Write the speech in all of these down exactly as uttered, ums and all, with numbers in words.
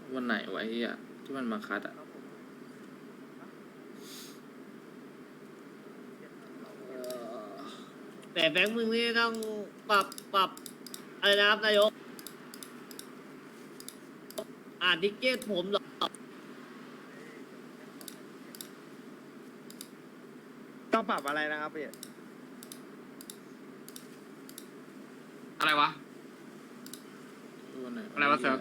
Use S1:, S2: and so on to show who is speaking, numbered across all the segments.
S1: วันไหนไวะไอ้เหี้ยที่มันมาคัดอะ
S2: แต่แบงค์มึงนี่ต้องปรับปรับอะไรนะครับนายกอ่านทิกเก็ตผมเหรอ
S3: ต้องปรับอะไรนะครับพี่
S4: อะไรวะ
S1: วันไหน
S4: อะไรวะเซิร์ฟ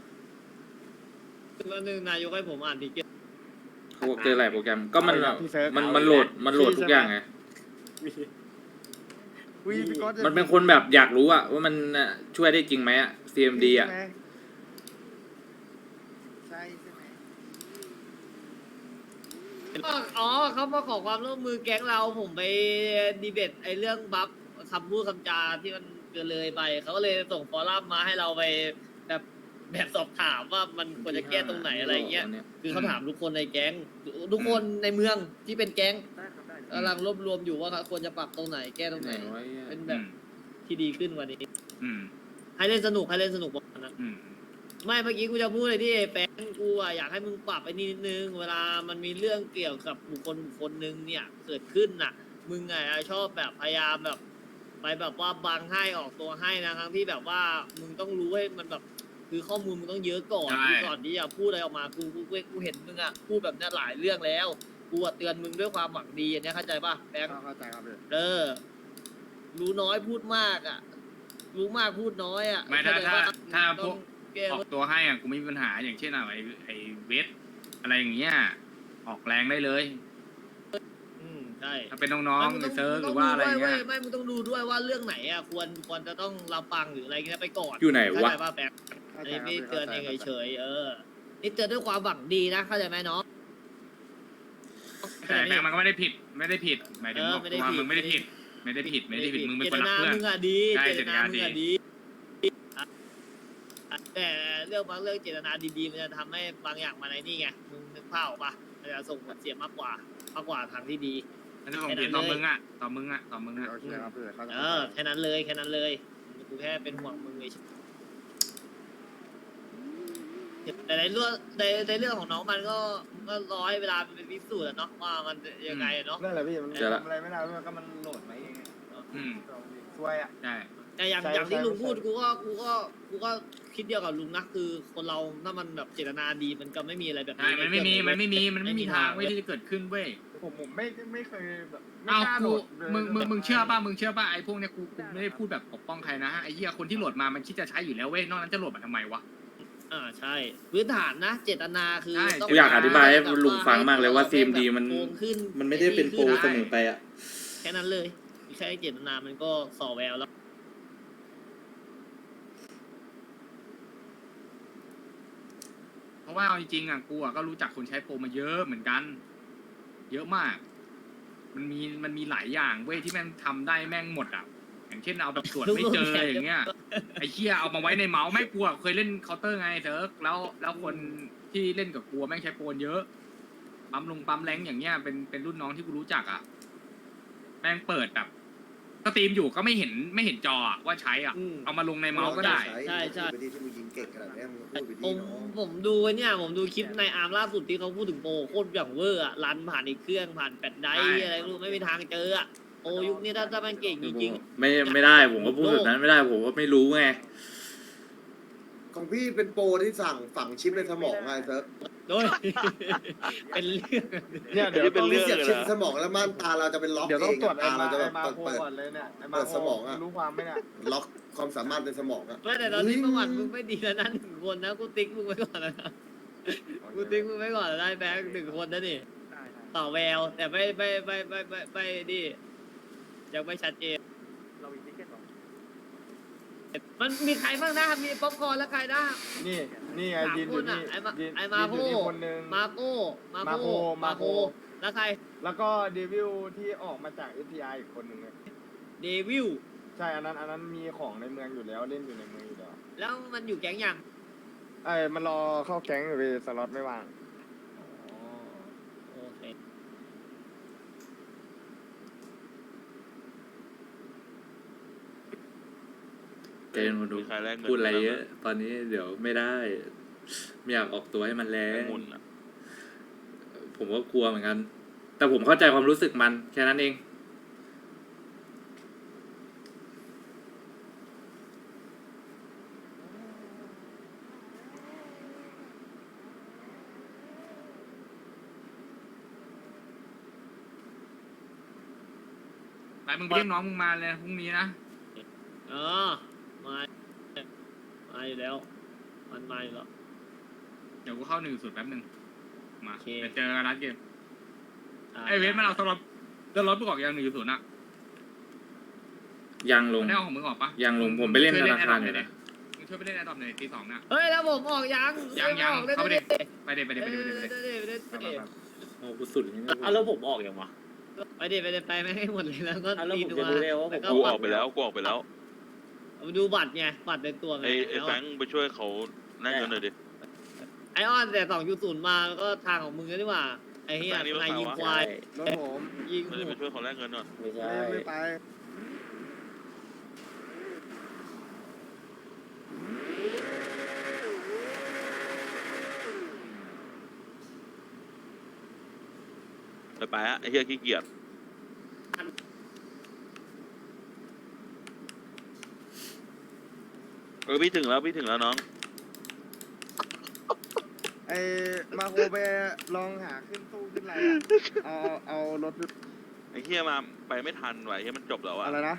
S2: วันหนึ่งนายกให้ผมอ่านทิกเก็ต
S1: เขาบอกเจอหลายโปรแกรมก็มัน
S3: เอาอีกแล้วพี่เซิร์ฟ
S1: มัน
S3: เอา
S1: มัน
S3: อีก
S1: โหลด
S3: แล้ว
S1: มันโหลด
S3: พี่
S1: ทุก
S3: ใช่ไหม
S1: อย่างไง
S3: วิพี่ก๊อตจะ
S1: มันเป็นคนแบบอยากรู้อะว่ามันน่ะช่วยได้จริงไหมอะ ซี เอ็ม ดี อะ
S3: ใช่ไหมใช่ใช่ไหม
S2: อ๋อเขามาขอความร่วมมือแก๊งเราผมไปดีเบตไอ้เรื่องบัฟคำพูดคำจาที่มันเกินเลยไปเขาก็เลยส่งฟอรัมมาให้เราไปแบบแบบสอบถามว่ามันควรจะแก้ตรงไหนอะไรเงี้ยคือเขาถามทุกคนในแก๊งทุกคนในเมืองที่เป็นแก๊งกำลังรวบรวมอยู่ว่าควรจะปรับตรงไหนแก้ตรงไหน
S1: ไว้อะ
S2: เป็นแบบที่ดีขึ้นกว่านี้
S4: อืม
S2: ให้เล่นสนุกให้เล่นสนุกบอกนะ
S4: อืม
S2: ไม่เมื่อกี้กูจะพูดเลยที่แฟนกูอะอยากให้มึงปรับไปนิดนึงเวลามันมีเรื่องเกี่ยวกับบุคคลบุคคลหนึ่งเนี่ยเกิดขึ้นน่ะ มึงไงชอบแบบพยายามแบบ ไปแบบว่าบังให้ออกตัวให้นะทั้งที่แบบว่ามึงต้องรู้ให้มันแบบ คือข้อมูลมึงต้องเยอะก่อน
S4: ใช่
S2: ที่ก่อนที่จะพูดอะไรออกมากูกูกูกูเห็นมึงอะพูดแบบเนี้ยหลายเรื่องแล้วกูอะเตือนมึงด้วยความหวังดีอันเนี้ยเข้าใจป่ะแบงค์
S3: เข้าใจครับพี่
S2: เออ รู้น้อยพูดมากอ่ะ รู้มากพูดน้อยอ่ะ
S4: ไม่ถ้า
S2: เข้ใจ
S4: ถ้า
S2: ปะ
S4: ถ้าพ
S2: ต้
S4: ว
S2: อก งแก้
S4: ออกตัวให้อ่ะกูไม่มีปัญหาอย่างเช่นอะไอไอเวทอะไรอย่างเงี้ยออกแรงได้เลย
S2: อืมใช่
S4: ถ้าเป็นน้อง
S2: ไม่
S4: ๆใน
S2: มึต้
S4: เซิร์ฟ
S2: มึ
S4: ห
S2: ต้
S4: รือว่าอะไร
S2: ดูด้ว
S4: เงี้ย
S2: ว้ไม่มึงต้องดูด้วยว่าเรื่องไหนอ่ะควรควรจะต้องรับฟังหรืออะไรเงี้ยไปก่อน
S1: อยู่ไหน
S2: เข้าว
S1: ะ
S2: ใจป่ะแป๊บ
S3: เข้า
S2: อัน
S3: ใจ
S2: นี้
S3: ครับ
S2: พี่เตือนเอง
S3: ข้าใจ
S2: เฉยๆเออนี่เตือนด้วยความหวังดีนะเข้าใจไหมน้อง
S4: แต่แบงค์มันก็ไม่ได้ผิดไม่ได้ผิดหมายถึง
S2: เออ
S4: บอก
S2: ไม่ได้
S4: ตัว
S2: ผิด
S4: มึงไม่ได้ผิด ไม่ได้ผิดไม่ได้ผิดมึงเป็น
S2: เจ
S4: ค
S2: ต
S4: นรัก
S2: นา
S4: เพื่อน
S2: มึงอะดี
S4: ใช่
S2: เจตนา
S4: เจตนาดี
S2: มึงอะดีอ่ะอ่ะแต่เรื่องบางเรื่องเจตนาดีๆมันจะทำให้บางอย่างมาในนี่ไงมึงนึกภาพออกปะมันจะส่งผลเสียมากกว่ามากกว่าทางที่ดี
S4: อันนี้ผมผิดต่อมึงอ่ะต่อมึงอ่ะต่อมึงอ่ะ
S3: โอเคครับพี่เข้าใจ
S2: เออแค่นั้นเลยแค่นั้นเลยกูแค่เป็นห่วงมึงเฉยแต่ในเรื่องในในเรื่องของน้องมันก็ก็รอให้เวลามันเป็นพิสูจน์อะเนาะว่ามันยังไงอะเนาะ
S3: นั่นแหละพี่มัน
S1: เจอละ
S3: ทำอะไรไม่ได้มันก็มันโหลดไปเอง
S4: อืม
S3: ช่วยอ่ะ
S4: ใช่
S2: แต่อย่าง
S3: ใช่
S2: อย่างที่
S3: ใช่
S2: ลุงพูด
S3: ใช่
S2: กูก็กูก็กูก็คิดเดียวกับลุงนะคือคนเราถ้ามันแบบเจตนาดีมันก็ไม่มีอะไรแบบ
S4: ใช่
S2: นี้
S4: มันไม่มี
S2: ใเกิด
S4: มันไม่มีมันไม่มีทางเว้ย
S2: เว้ย
S4: ที่จะเกิดขึ้นเว้ย
S3: ผมผมไม่ไม่เคยแบบไม่
S4: เอา
S3: กล้าโหล
S4: กู
S3: ดเลย
S4: มึงมึงมึงเชื่อป่ะมึงเชื่อป่ะไอ้พวกเนี้ยกูกูไม่ได้พูดแบบปกป้องใครนะไอ้เหี้ยคนที่โหลดมามันคิดจะใช้อยู่แล้วเว้ยนอกนั้นจะโหลดมาทำไมวะ
S2: อ่าใช่พื้นฐานนะ เจตนาคือ
S4: ใช่
S2: ต้ง
S1: กูอยากอธิบายให้
S2: แบบ
S1: ลุงฟังมากเลยว่า
S2: ให้
S1: ซี เอ็ม ดี มัน
S2: โกงขึ้น
S1: มันไม่ได้เป็นโปร
S2: ขึ้
S1: เสมอไปอะ
S2: แค่นั้นเลยแค่เจตนามันก็ส่อแววแล้ว
S4: เพราะว่าเอาจริงๆอ่ะกูอ่ะก็รู้จักคนใช้โปรมาเยอะเหมือนกัน เยอะมาก มันมีมันมีหลายอย่างเว้ยที่แม่งทำได้แม่งหมดอ่ะอย่างเช่นเอาแบบตรวจไม่เจออย่างเงี้ยไอ้เหี้ยเอามาไว้ในเมาส์ไม่กลัวเคยเล่นเคาน์เตอร์ไงเซิร์ฟแล้วแล้วคนที่เล่นกับกลัวแม่งใช้โปรเยอะปั๊มลงปั๊มแรงอย่างเงี้ยเป็นเป็นรุ่นน้องที่กูรู้จักอ่ะแม่งเปิดแบบสตรีมอยู่ก็ไม่เห็นไม่เห็นจออะว่าใช้อ่ะ
S2: อืม
S4: เอามาลงในเมาส์ก็ได้
S2: ใช่ใช่
S5: พูดไปดิที่มึงยิงเก่งขนาดนี้มึงพูดไป
S2: ผ
S5: ดิ
S2: ม
S5: เนาะ
S2: ผมดูไอ้เนี่ยผมดูคลิปในอาร์มล่าสุดที่เขาพูดถึงโปรโคตรอย่างเวอร์อะรันผ่านอีกเครื่องผ่านแปดไดร์
S4: ใช่
S2: อะไรไม่รู้ไม่มีทางเจออะโอ้ยุคนี้ถ้าถ้ามันเก่งจริง
S1: ไม่ไม่ได้ผมก็พูดแบบนั้นไม่ได้ผมก็ไม่รู้ไง
S5: ของพี่เป็นโปรที่สั่งฝังชิปในสมองไงเซิร์ฟ
S2: ๆโดย เป็นเรื่อง
S3: เนี่ยเดี๋ยว
S5: ต้
S3: ต้
S5: อ
S3: อง ง
S5: เสียบชิปในสมองแล้วม่านตาเราจะเป็นล็อก
S3: เดี๋ยว
S5: เอ
S3: ต้อง
S5: ง
S3: ตรวจ
S5: อะ
S3: ไอ้
S5: ตา
S3: มา
S5: เราจะแบ
S3: ไอ้
S5: บ
S3: มา
S5: เปิด
S3: โค
S5: เปิด
S3: ก่อนเลยเนี่ยไอ้มา
S5: เปิด
S3: โค
S5: สมองอะ
S3: รู้ความไหมเนี่ย
S5: ล็อกความสามารถในสมองอะ
S2: ไม่แต่ตอนนี้ประวัติมึงไม่ดีแล้วนะหนึ่งคนนะกูติ๊กมึงไว้ก่อนแล้วนะกูติ๊กมึงไว้ก่อนแล้วได้แบงค์หนึ่งคนนะนี่ต่อแววแต่ไม่ไม่ไม่ไม่ไม่ไม่ดิยังไม่ชัดเจน
S3: เรามีทิเก็ตหรอ
S2: มันมีใครบ้างนะมีป๊อปคอร์นแล้วใครนะ
S3: นี่นี่ไง
S2: สาม
S3: ยืนอ
S2: ค
S3: ยู่
S2: น
S3: นี่
S2: อ่ะไอ้มา
S3: ยืน
S2: ไอ้มา
S3: ยืน
S2: โค
S3: อยู่นี่คนหนึง
S2: มาโก้มา
S3: มา
S2: โค
S3: โคมาโค
S2: แล้วใคร
S3: แล้วก็เดวิลที่ออกมาจาก เอฟ ที ไอ อีกคนหนึ่งอะ
S2: เดวิล
S3: ใช่อันนั้นอันนั้นมีของในเมืองอยู่แล้วเล่นอยู่ในเมืองอยู่แล้ว
S2: แล้วมันอยู่แก๊งยัง
S3: ไอ้ยมันรอเข้าแก๊งอยู่พี่สล็อตไม่ว่าง
S2: อ๋อโอเค
S1: เกณฑ์มาดู
S6: มีใครแลกเงิน
S1: พูดอะไร
S6: บ้างไหม
S1: เยอะ ตอนนี้เดี๋ยวไม่ได้ไม่อยากออกตัวให้มันแรง
S6: ไอ้มุนอ่ะ
S1: ผมก็กลัวเหมือนกัน แต่ผมเข้าใจความรู้สึกมันแค่นั้นเอง
S4: ไปมึงไปเรียกน้องมึงมาเลยพรุ่งนี้นะ
S2: เออมามาอยู่แล้ว มันมาอยู่แล้ว
S4: เดี๋ยวกูเข้าหนึ่งสุดแป๊บนึงมา
S2: โอเค
S4: ไปเจอกันร้านเกม
S2: อ่า
S4: ไอเวทมันเอาสล็อตสล็อตไปออกยังหนึ่งศูนย์อะ
S1: ยังลง
S4: มันได้เอาของมึงออกปะ
S1: ยังลงผมไปเล่นธนาคารอยู่นะ
S4: มึงช่วยไปเล่นแอดดอปหน่อยตีสองน่ะ
S2: เฮ้ยแล้วผมออกยัง
S4: ยังยัง
S2: ออกได้
S4: เข้าไป
S2: ดิ
S4: ดิไปเด็ไปเด็ไปเด็ไปเด็ไปเด็
S2: ได้ดิได้ดิ
S4: ไป
S2: ได้
S4: ไป
S2: ดิ
S4: ไป
S1: โอ้กูสุดอย่างนี้นะ
S7: อ่ะแล้วผมออกยังวะ
S2: ไปดิไปดิไปไม่ให้หมดเลยแล้วก็
S7: อ่ะแล้ว
S2: ตี
S7: ผม
S2: ดู
S7: จะรู้ได้ว่าผม
S2: แล้วก็
S6: กูอ
S2: บั
S6: อ
S2: ต
S6: ก
S2: ร
S6: ไปแล้วกูออกไปแล้ว
S2: เอาไปดูบัตรไงบัตรในตัวไง
S6: ไอ้ไอ้
S2: แล้ว
S6: แฟรงค์ไปช่วยเขาแลกเงินหน่อยดิ
S2: ไอออนแต่สองยูศูนย์มาแล้วก็ทางของมึงก็ดีกว่าไอ้เหี้ย
S6: อันนี้รถ
S2: นาย
S6: ใคร
S2: ยิง
S6: วะ
S2: ควาย
S5: รถผม
S2: ยิง
S6: ไม่ได้ไปช่วยเขาแลกเงินหน่อย
S7: ไม่ใช่
S5: ไม่ไม่ไป
S6: ไปไปอะไอ้เหี้ยขี้เกียจเออพี่ถึงแล้วพี่ถึงแล้วน้อง
S5: ไอ้มาโคไปลองหาขึ้นตู้ขึ้นอะไรอะเอาเอารถ
S6: ไอ้เหี้ยมาไปไม่ทันไหวเหี้ยมันจบแล้วอะ
S5: อะไรนะ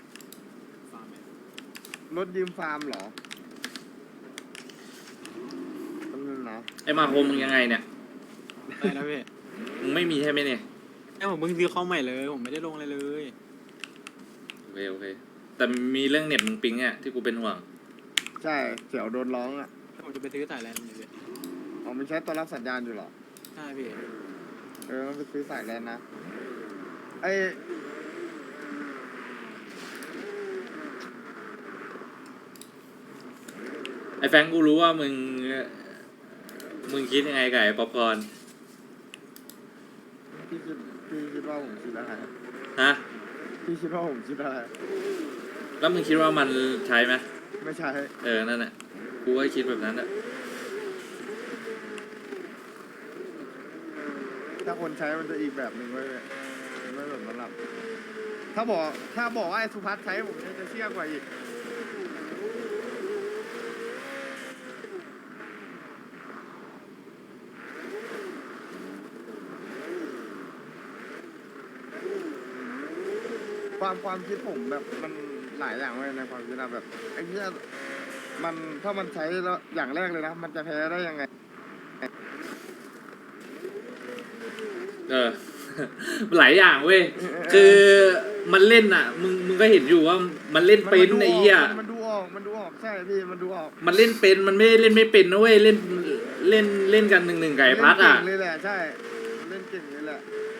S5: รถยืมฟาร์มเหรอแป๊บนึงนะ
S1: ไอ้มาโฮมมึงยังไงเนี่ย
S8: ได้นะพี่
S1: มึงไม่มีใช่ไหมเนี่ย
S8: แค่ผมเพิ่งซื้อเข้าใหม่เลย ผมไม่ได้ลงอะไรเลย
S1: โอเคโอเค แต่มีเรื่องเน็ตมึงปิงเนี่ยที่กูเป็นห่วง
S5: ใช่เสี่ยวโดนร้องอ่ะ
S8: ผมจะไปซื้อสายแลนด์เลยพี่
S5: อ๋อมันใช้ตัวรับสัญญาณอยู่เหรอ
S8: ใช่พี่
S5: เออมันไปซื้อสายแลนนะไอ
S1: ไอ้แฟรงค์กูรู้ว่ามึง มึงคิดยังไงกับไอ้ป๊อปคอร์น
S5: พี่คิดพี่คิดว่าผมคิดอะไร
S1: ฮะ
S5: พี่คิดว่าผมคิดอะไร
S1: แล้วมึงคิดว่ามันใช้ไหม
S5: ไม่ใช่
S1: เออ นั่นแหละกูก็คิดแบบนั้นแหละ
S5: ถ้าคนใช้มันจะอีกแบบหนึ่งไว้เลยไม่แบบนั้นหรอกถ้าบอกถ้าบอกว่าไอ้สุพัฒน์ใช้ผมจะเชื่อกว่าอีกความความคิดผมแบบมันหลายอย่างเลยในความคิดนะแบบไอ้เนี้ยมันถ้ามันใช้แล้วอย่างแรกเลยนะ มันจะแพ้ได้ยังไง
S1: เออ หลายอย่างเว้ย คือมันเล่นอ่ะ มึงมึงก็เห็นอยู่ว่ามันเล่นเป็นไอ้เหี้ย
S5: มันดูออกมันดูออกใช่พี่มันดูออก
S1: มันเล่นเป็นมันไม่ได้เล่นไม่เป็นนะเว้ยเล่นเล่นเล่นกันหนึ่งหนึ่งไก่พัดอ่ะ
S5: เล่นเก่งเลยแหละใช่เล่นเก่งเลยแหละ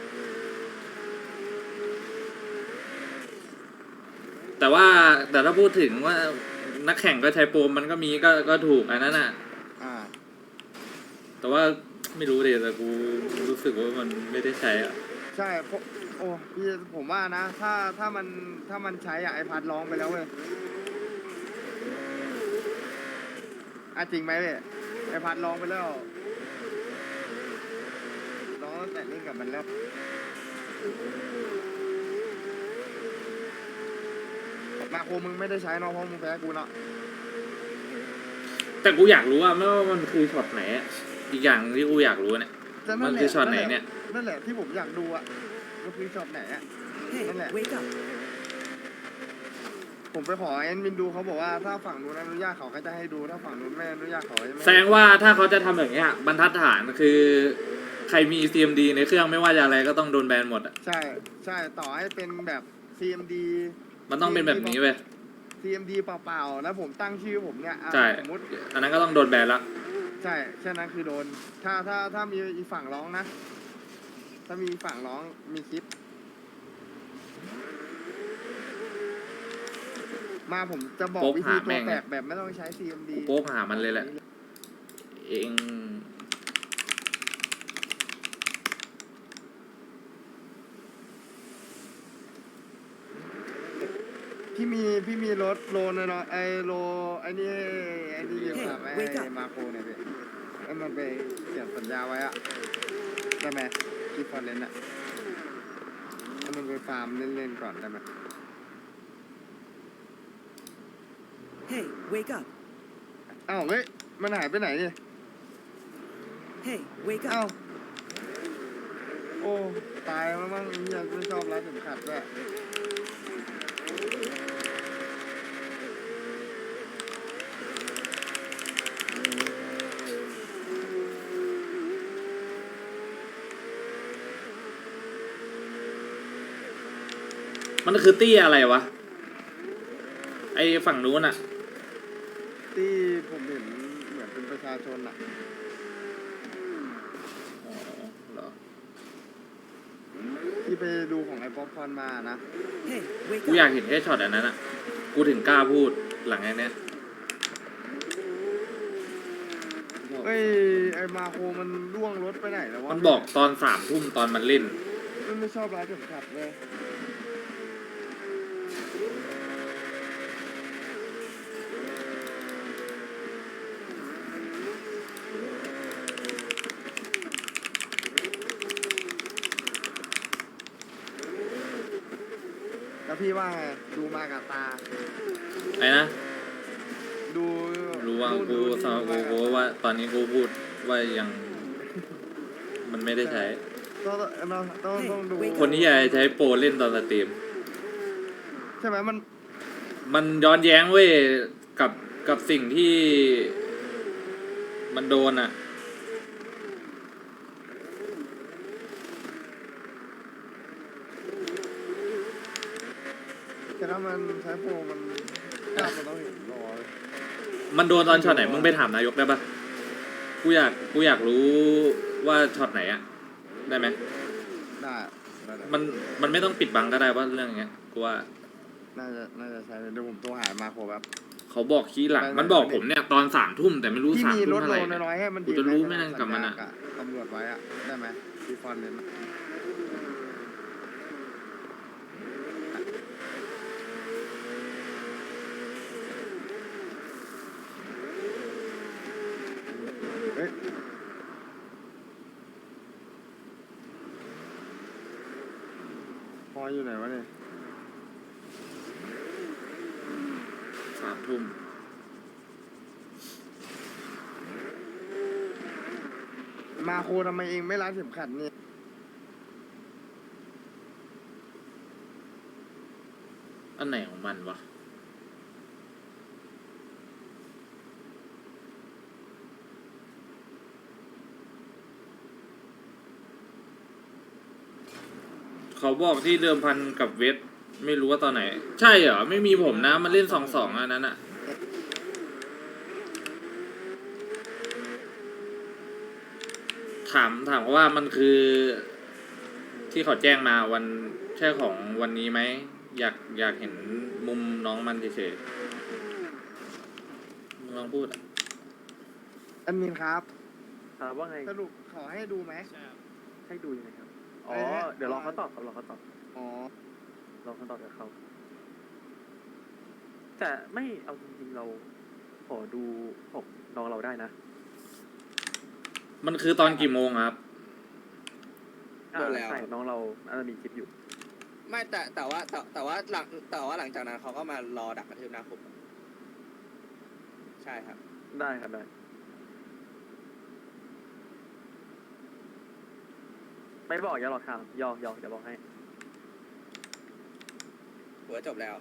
S1: แต่ว่าแต่ถ้าพูดถึงว่านักแข่งก็ใช้โปรมันก็มีก็ก็ถูกอันนั้นอ่ะ
S5: อ่า
S1: แต่ว่าไม่รู้ดิแต่กูรู้สึกว่ามันไม่ได้ใช้อ่ะ
S5: ใช่เพราะโอ้พี่ผมว่านะ ถ้าถ้ามันถ้ามันใช้อะไอพัดร้องไปแล้วเว้ยอ่ะจริงไหมเว้ยไอพัดร้องไปแล้วร้องตั้งแต่เล่นกับมันแล้วมาโคมึงไม่ได้ใช้เนาะเพราะมึงแพ้กูเนาะ
S1: แต่กูอยากรู้ว่าไม่ว่ามันคือช็อตไหนอะอีกอย่างที่กูอยากรู้เนี่ย
S5: แต่
S1: มัน
S5: แหละ
S1: คือช็อตไหนเนี่ย
S5: นั่นแหละที่ผมอยากดูอ่ะมันคือช็อตไหนอ่ะนั่นแหละ ผมไปขอแอนมินดูเขาบอกว่าถ้าฝั่งนู้นอนุญาตเขาก็จะให้ดูถ้าฝั่งนู้นไม่อนุญาตเขาจะไม่
S1: แสดงว่าถ้าเขาจะทำแบบเนี้ยบรรทัดฐานคือใครมี ซี เอ็ม ดี ในเครื่องไม่ว่าจะอะไรก็ต้องโดนแบนหมดอ่ะ
S5: ใช่ใช่ต่อให้เป็นแบบ ซี เอ็ม ดี
S1: มันต้องเป็นแบบนี้เว้ย
S5: ซี เอ็ม ดี เปล่าๆแล้วผมตั้งชื่อผมเนี่ยอ่ะ
S1: ใช่
S5: สมมติ
S1: อันนั้นก็ต้องโดนแบนละ
S5: ใช่แค่นั้นคือโดน ถ้าถ้าถ้ามีอีกฝั่งร้องนะ ถ้ามีฝั่งร้องมีคลิป มาผมจะบอกวิธีตัวแตกแบบไม่ต้องใช้ ซี เอ็ม ดี
S1: กูโป๊กหามันเลยแหละ เอง
S5: พี่มีพี่มีรถโลนเนาะไอโลไอนี่ไอนี่อยู่กับไอมาโครเนี่ยพี่เอให้มันไปเขียนสัญญาไว้อะได้ไหมที่ฟอนเลนอะให้มันไปฟาร์มเล่นๆก่อนได้ไหม
S7: Hey, wake up.
S5: อ้าวเฮ้ยมันหายไปไหนเนี่ย
S7: Hey, wake
S5: อ้าว
S7: up.
S5: โอ้ตายแล้วมั้งไอ้เฮียไม่ชอบร้านเข็มขัดด้วย
S1: มันคือตี้อะไรวะ ไอฝั่งนู้นอะ
S5: ที่ผมเห็นเหมือนเป็นประชาชนอะ
S1: อ๋อเหรอ
S5: ที่ไปดูของไอ้ป๊อปคอร์นมานะ
S7: Hey, wake
S1: กูอยาก
S7: up.
S1: เห็นแค่ช็อตอันนั้นอะกูถึงกล้าพูดหลังไอ้เนี้ย
S5: เอ้ยไอ้มาโคมันล่วงรถไปไหนแล้ววะ
S1: มันบอกตอนสามทุ่มตอนมันเล่น
S5: มันไม่ชอบร้านเข็มขัดเลย แล้วพี่ว่าไงดูมากับตา
S1: ไอ้นะ
S5: ดู
S1: รู้ว่า
S5: นู่น
S1: กู
S5: ดูนี่
S1: สาวกู
S5: มากับ
S1: กูว่าตอนนี้กูพูดว่ายัง มันไม่ได้ใช้
S5: ต้องต้องต้องต้องดู
S1: คนที่จะใช้โปรเล่นตอนสตรีม
S5: ใช่ไหมมัน
S1: มันย้อนแย้งเว้ยกับกับสิ่งที่มันโดนอ่ะ
S5: แต่ถ้ามันใช้โปรมันภาพมันต้องเห็นรอเลย
S1: มันโดนตอนช็อตไหนมึงไปถามนายกได้ปะกูอยากกูอยากรู้ว่าช็อตไหนอะได้ไหม
S5: ได้ได้ได้
S1: มันมันไม่ต้องปิดบังก็ได้ว่าเรื่องอย่างเงี้ยกูว่า
S5: น่าจะน่าจะใช้เดี๋ยวผมโทรหามาโครแบบ
S1: เขาบอกขี้หลัง
S5: ได้ได้
S1: มันบอกผมเนี่ยตอนสามทุ่มแต่ไม่รู้
S5: ที่
S1: สาม
S5: มีร
S1: ทุ่
S5: ถ
S1: ม
S5: โล
S1: เท่าไหร่
S5: น้อยๆให้มัน
S1: กูจะรู้
S5: ยื
S1: ไหมนั่นกับมันอะ
S5: สัญญาตำรวจไว้อะได้ไหมที่ฟอนเลนอะเฮ้ยพออยู่ไหนวะเนี่ย
S1: สามทุ่ม
S5: มาโคทำไมเองไม่รัดเข็มขัดเนี่ย
S1: อันไหนของมันวะเขาบอกที่เดิมพันกับเวทไม่รู้ว่าตอนไหน ใช่เหรอไม่มีผมนะมันเล่นสองสองอันนั้นอะถามถามว่ามันคือ ที่เขาแจ้งมาวันใช่ของวันนี้ไหมอยากอยากเห็นมุมน้องมันเฉยๆมึงลองพูดอะ
S5: แอดมินครับ
S9: ครับว่าไง
S5: สรุปขอให้ดูไหม
S9: ให้ดูยังไงครับ อ๋อ
S5: เอ๊ะ
S9: เดี๋ยวรอเขาตอบครับรอเขาตอบ
S5: อ๋อ
S9: รอเขาตอบจากเขาแต่ไม่เอาจริงๆเราขอดูของน้องเราได้นะ
S1: มันคือตอนกี่โมงครับ
S9: อ่า
S10: หมดแล้ว
S9: ใช่น้องเราน่าจะมีคลิปอยู่
S10: ไม่แต่แต่ว่าแต่แต่ว่าหลังแต่ว่าหลังจากนั้นเขาก็มารอดักกระทืบหน้าผมใช่ครับ
S9: ได้ครับได้ ไม่บอกอย่าหลอกถามยอกยอกจะบอกให้
S10: หัวจบแล้ว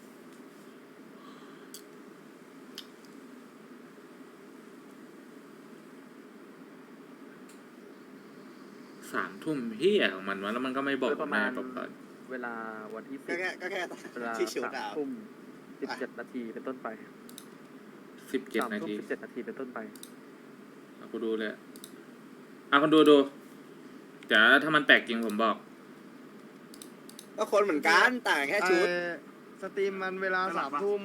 S1: สามทุ่มเฮียของมันวะแล้วมันก็ไม่บอก
S9: โดยประมาณ
S1: แบอกก่อน
S9: เวลาวันที่
S10: ก็
S9: สิบ
S10: แค่ก็แค่ตอน
S9: เวลา
S10: ที่ชุด
S9: สาม
S10: ดาว
S9: ทุ่มสิบเจ็ดนาทีเป็นต้นไป
S1: สิบเจ็ด
S9: สาม
S1: นา
S9: ทุ่ม
S1: ที
S9: สิบเจ็ดนาทีเป็นต้นไป
S1: เอากูดูเลยอ่ะคนดูดูเดี๋ยวถ้ามันแปลกจริงผมบอก
S10: ก็คนเหมือนกันต่างแค่ชุด
S5: เอ่อสตรีมมันเวลาสามทุ่ม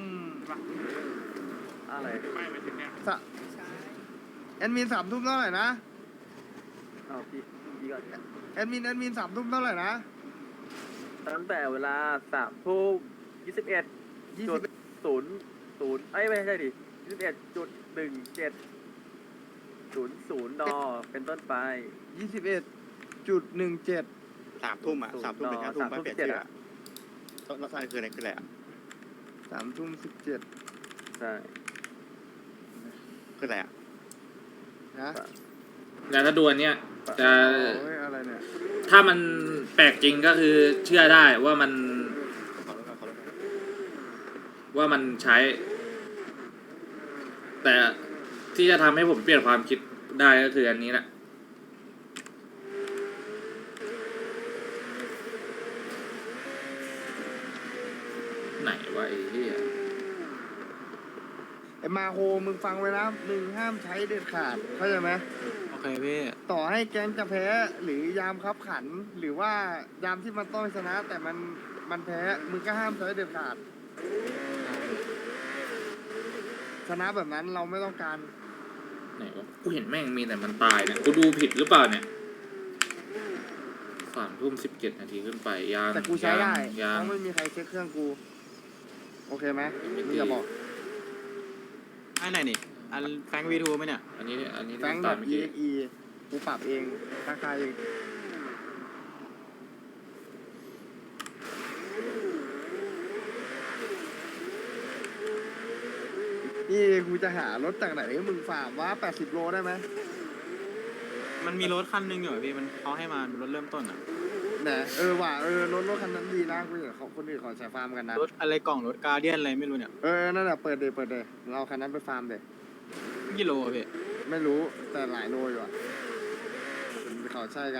S9: อะไร
S5: สะแอดมินสามทุ่มเท่าไหร่นะ
S9: เอาพี่พี่ก่อน
S5: แอดมินแอดมินสามทุ่มเท่าไหร่นะ
S9: ตั้งแต่เวลาสามทุ่มยี่สิบเอ็ด
S5: ยี่
S9: จุ
S5: สิ
S9: ด
S5: บ
S9: ศูนย์ศูนย์ไอ้ยไม่ใช่ดิยี่สิบเอ็ดจุดหนึ่งเจ็ดศูนย์ศูนย์ดอเป็นต้นไป
S5: ยี่สิบเอ็ดจุดหนึ่งเจ็ด
S11: สามทุ่มอ่ะสามทุ่มถึงห้าทุ่มไม่เปลี่ยนชื่ออ่ะต้องต้องคืออะไรคืออะไรอ่ะ
S5: สามทุ่มสิบเจ็ด
S9: ใช่
S11: คืออะไรอ่ะ
S5: นะ
S1: แล้วถ้าดูอันเนี้ยจะ
S5: โอ้ยอะไรเนี่ย
S1: ถ้ามันแปลกจริงก็คือเชื่อได้ว่ามัน
S11: ขอรถขอรถ
S1: ว่ามันใช้ แต่ที่จะทำให้ผมเปลี่ยนความคิดได้ก็คืออันนี้แหละไหนวะไอ้เหี้ย
S5: ไอ้มาโฮมึงฟังไว้นะมึงห้ามใช้เด็ดขาดเข้าใจไหม
S8: โอเคพี่
S5: ต่อให้แก๊งจะแพ้หรือยามคับขัน หรือว่ายามที่มันต้องชนะ แต่มันมันแพ้มึงก็ห้ามใช้เด็ดขาด ชนะแบบนั้นเราไม่ต้องการ
S1: ไหนวะกูเห็นแม่งมีแต่มันตายเนี่ยกูดูผิดหรือเปล่าเนี่ยสามทุ่มสิบเจ็ดนาทีขึ้นไปยาง
S5: แต่กูใช้ได้
S1: ยาง
S5: เพราะไม่มีใครเช็คเครื่องกู โอเคไหม
S1: ยังไม่
S5: มึ
S1: ตี
S5: งอย่าบอก
S8: อันไหนนี่ อันแฟงวีทูไหมเนี่ย
S1: อันนี้อันนี้
S5: แฟงแบ
S1: ตาม
S5: บ
S1: เมื่อ
S5: e
S1: กี้
S5: x e กูปรับเองราคาเองนี่กูจะหารถจากไหนให้มึงฝากว่าแปดสิบโลได้ไหม
S8: มันมีรถคันหนึงอยู่อะพี่ มันเขาให้มาเป็นรถเริ่มต้นอ่ะ
S5: ไหนเออว่ะเออรถรถคันนั้นดีนะกูเห็นเขาคนอื่นเขาใช้ฟาร์มกันนะ
S8: รถอะไรกล่องรถการเดียนอะไรไม่รู้เนี่ย
S5: เออนั่นแหละเปิดเดยเปิดเดยเราคันนั้นไปฟาร์มเดย
S8: กิโลอะพี่
S5: ไม่รู้แต่หลายโลอยู่อ่ะเขาใช่กัน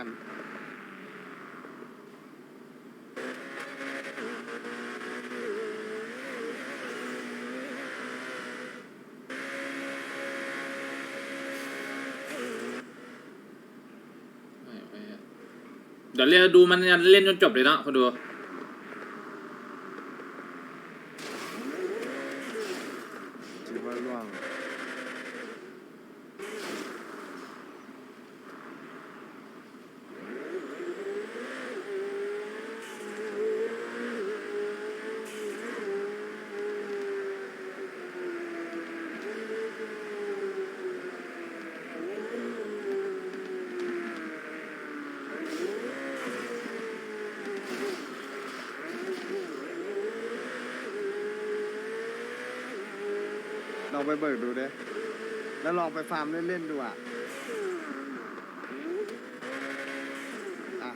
S1: ไม่ไม่เดี๋ยวเรียกดูมันเล่นจนจบเลยเนาะคนดู
S5: ถือว่าล่วง ลองไปเบิกดูดิแล้วลองไปฟาร์มเล่นๆดูอ่ะ อ่ะ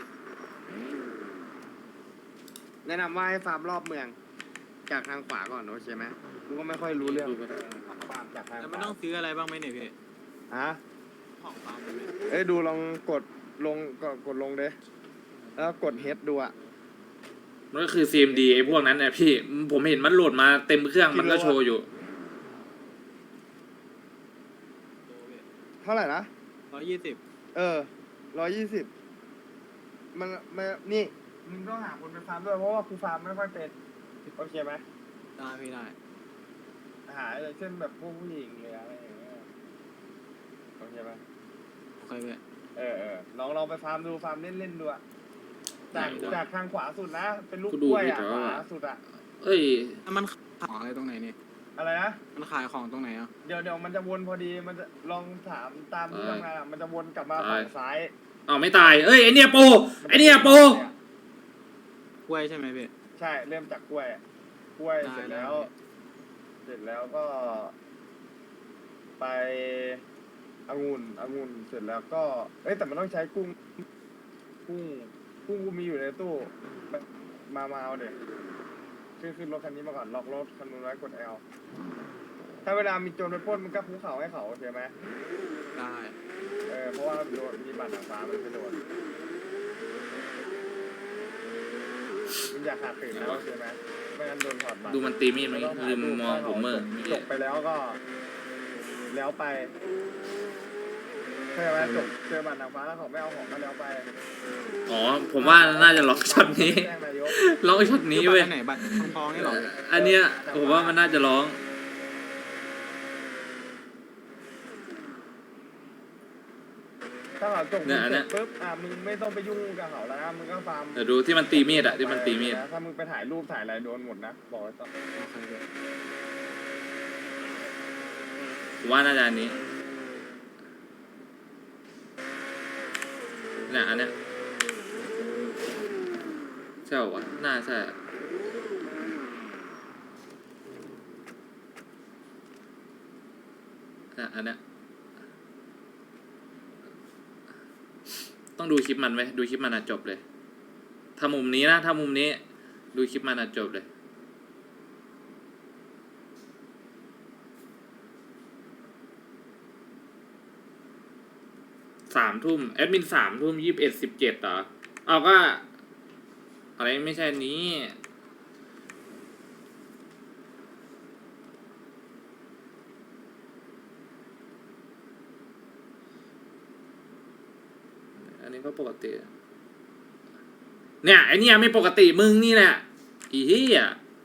S5: แนะนำว่าให้ฟาร์มรอบเมือง จากทางขวาก่อนโอเคไหมกูก็ไม่ค่อยรู้เรื่องฟาร์มจากทาง
S8: แล้ว
S5: ข
S8: มัน
S5: วา
S8: ต้องซื้ออะไรบ้างไหมเนี่ยพี่
S5: ฮะ
S8: ของฟาร์มเลย
S5: เอ้ยดูลองกดลงกดกดลงเด้แล้วกดเฮดดูอ่ะ
S1: มันก็คือ ซี เอ็ม ดี ไอ้พวกนั้นเนี่ยพี่ผมเห็นมันโหลดมาเต็มเครื่องมันก็โชว์อยู่
S5: เท่าไหร่นะ
S8: ร้อยยี่สิบ
S5: เออร้อยยี่สิบมันมันนี่มึงต้องหาคนไปฟาร์มด้วยเพราะว่ากูฟาร์มไม่ค่อยเป็นโอเคไหม
S8: ได้พี่ได้
S5: หาอย่างเช่นแบบพวกผู้หญิงหรืออะไรอย่างเงี้ยโอเคไหม
S8: โอเคพี่
S5: เออเออลองลองไปฟาร์มดูฟาร์มเล่นเล่นๆดูอะจาก
S1: ไหนวะ
S5: จากทางขวาสุดนะ เป็นลูก
S1: กู
S5: ก
S1: ดู
S5: ล้วย
S1: ผิด
S5: อะ
S1: แล้ว
S5: ข
S1: อะ
S5: วาสุดอะ
S1: เอ้ย
S8: แล้วมันขายของอะไรตรงไหนนี่
S5: อะไรนะ
S8: มันขายของตรงไหนอ่ะ
S5: เดี๋ยวเดี๋ยวมันจะวนพอดีมันจะลองถามตามที่
S1: เออ
S5: ทำงานอะมันจะวนกลับมา
S1: เออ
S5: ฝั่งซ้าย
S1: อ้าวไม่ตายเอ้ยไอเนี่ยโปไอเนี่ยโป
S8: กล้วยใช่ไหมพี่
S5: ใช่เริ่มจากกล้วยอะกล้วย
S8: ได้
S5: เสร็จแล้ว
S8: ได้
S5: เสร็จแล้วก็ ไปองุ่นองุ่นเสร็จแล้วก็ เอ้ยแต่มันต้องใช้กุ้ง กุ้ง กุ้งกูมีอยู่ในตู้ มามาเอาเด็กขึ้นขึ้นรถคันนี้มาก่อน ล็อกรถคันนู้นไว้กดแอลถ้าเวลามีโจรไปปล้นมันก็ภูเขาให้เขาโอเคไหม
S8: ได้
S5: เออ เพราะว่าโดนมีบัตรหนังฟ้ามันจะโดนมันอยากขาดตื่นแล้วโอเคไหมไม่งั้นโดนถอดบัตร
S1: ดูมันตีมีดไหมลืมมองผมเมื่อ
S5: จบไปแล้วก็ แล้วไปเข้าใจไหมจบเจอบัตรหนังฟ้าแล้วเขาไม่เอาของก็แล้วไป
S1: อ๋อผมว่าน่าจะล็อกช็อตนี้
S5: แจ้งนายก
S1: ล็อกช็อตนี้
S8: นี่
S1: เว้ย
S8: ไหนบัตรทองๆนี่เหรอ
S1: อันเนี้ยผมว่ามันน่าจะร้อง
S5: ถ้าเขาจบ
S1: เนี่ยอัน
S5: เส
S1: เนี้
S5: ร็
S1: ย
S5: จปุ๊บอ่ะมึงไม่ต้องไปยุ่งกับเขาแล้วนะมึงก็ฟาร์ม
S1: เดี๋ยวดูที่มันตีมีดอะที่มันตีมีด
S5: ถ้ามึงไปถ่ายรูปถ่ายอะไรโดนหมดนะบอกไว้ก่อน
S8: โอเคพี่
S1: ผมว่าน่าจะอันนี้เนี่ยอันเนี้ยใช่เหรอวะน่าใช่อะเนี่ยอันเนี้ยต้องดูคลิปมันไว้ดูคลิปมันอ่ะจบเลยถ้ามุมนี้นะถ้ามุมนี้ดูคลิปมันอ่ะจบเลยสามทุ่มแอดมินสามทุ่มยี่สิบเอ็ดสิบเจ็ดเหรอเอาก็อะไรไม่ใช่นี้อันนี้ก็ปกติเนี่ยไอเนี่ยไม่ปกติมึงนี่แหละอีเหี้ย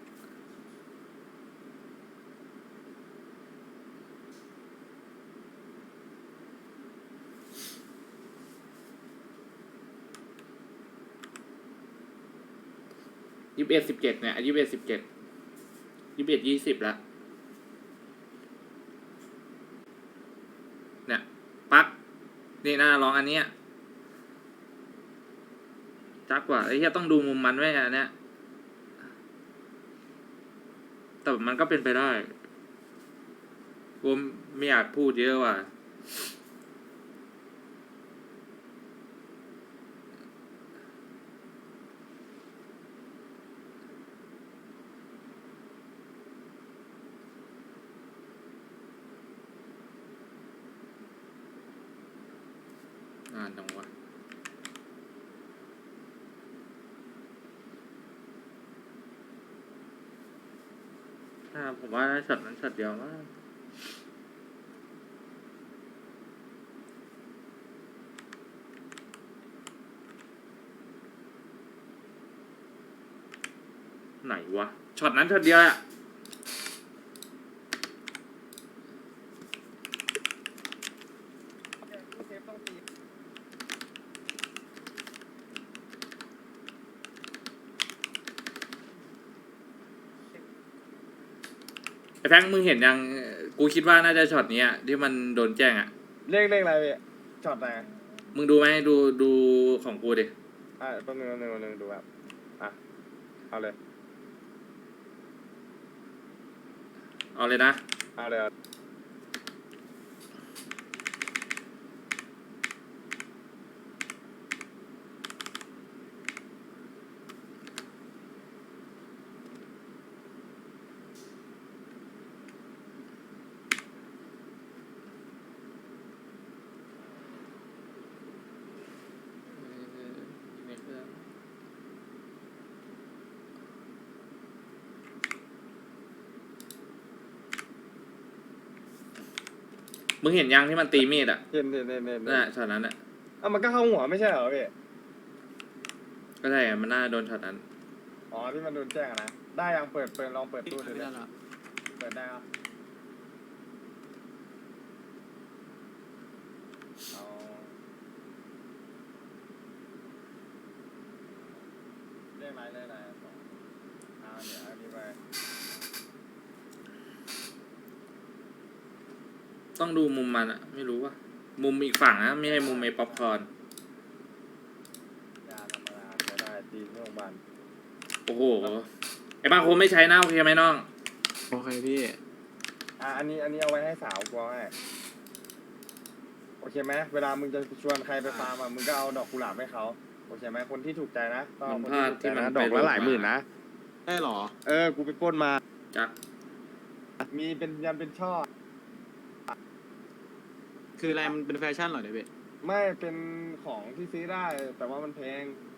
S1: ยี่สิบเอ็ดสิบเจ็ดเนี่ยยี่สิบเอ็ดสิบเจ็ดยี่สิบเอ็ดยี่สิบแล้วเนี่ยปั๊กนี่น่าลองอันเนี้ยจักกว่าไอ้เหี้ยต้องดูมุมมันไว้อันเนี้ยแต่มันก็เป็นไปได้กูไม่อยากพูดเยอะว่ะอ่านจังวะอ่าผมว่าช็อตนั้นช็อตเดียวมากไหนวะช็อตนั้นช็อตเดียวอะไอ้แฟงมึงเห็นยังกูคิดว่าน่าจะช็อตนี้อะที่มันโดนแจ้งอะ
S5: เลขเลขอะไรพี่ช็อตไหน
S1: มึงดูไหมดูดูของกูดิ
S5: อ่ะแป๊บนึงแป๊บนึงแป๊บนึงดูแบบอ่ะเอาเลย
S1: เอาเลยนะ
S5: เอาเลยเอา
S1: มึงเห็นยังที่มันตีมีดอ่ะ
S5: เห็นเห็นเห็นเห็น
S1: นั่นแหละช็อตนั้นอ่ะ
S5: อ่ะมันก็เข้าหัวไม่ใช่เหรอพี่
S1: ก็ใช่อะมันน่าโดนช็อตนั้น
S5: อ๋อที่มันโดนแจ้งอะนะได้ยังเปิดเปิดลองเปิดตู้ดู
S8: ไม่
S5: ดิ
S8: ได้ละ
S5: เปิดได้เหรอเอาเลขอะไรเลขอะไรสองเอาเดี๋ยวเอาดีไป
S1: ต้องดูมุมมันอ่ะ ไม่รู้ว่ามุมอีกฝั่งนะไม่ใช่มุมไอ้ป๊อปคอร์น
S5: ยาธรรมดาจะได้ตีที่โรงพยาบาล
S1: โอ้โหไอ้บางคนไม่ใช้นะโอเคไหมน้อง
S8: โอเคพี่
S5: อ่ะอันนี้อันนี้เอาไว้ให้สาวกลัวให้โอเคไหมเวลามึงจะชวนใครไปฟาร์มอ่ะมึงก็เอาดอกกุหลาบให้เขาโอเคไหมคนที่ถูกใจนะต้องเอา
S1: มัน
S5: คน
S1: พลา
S5: ที่
S1: ด
S5: ถูกใจ
S1: ที่มัน
S5: นะ
S1: ไป
S5: ดอกละหลายหมื่นนะ
S8: ได้หรอ
S5: เออกูไปปล้นมา
S1: จัก
S5: มีเป็นยันเป็นช่อ
S8: คืออะไรมันเป็นแฟชั่นเหรอเดี๋ยวพี่
S5: ไม่เป็นของที่ซื้อได้ แต่ว่ามันแพง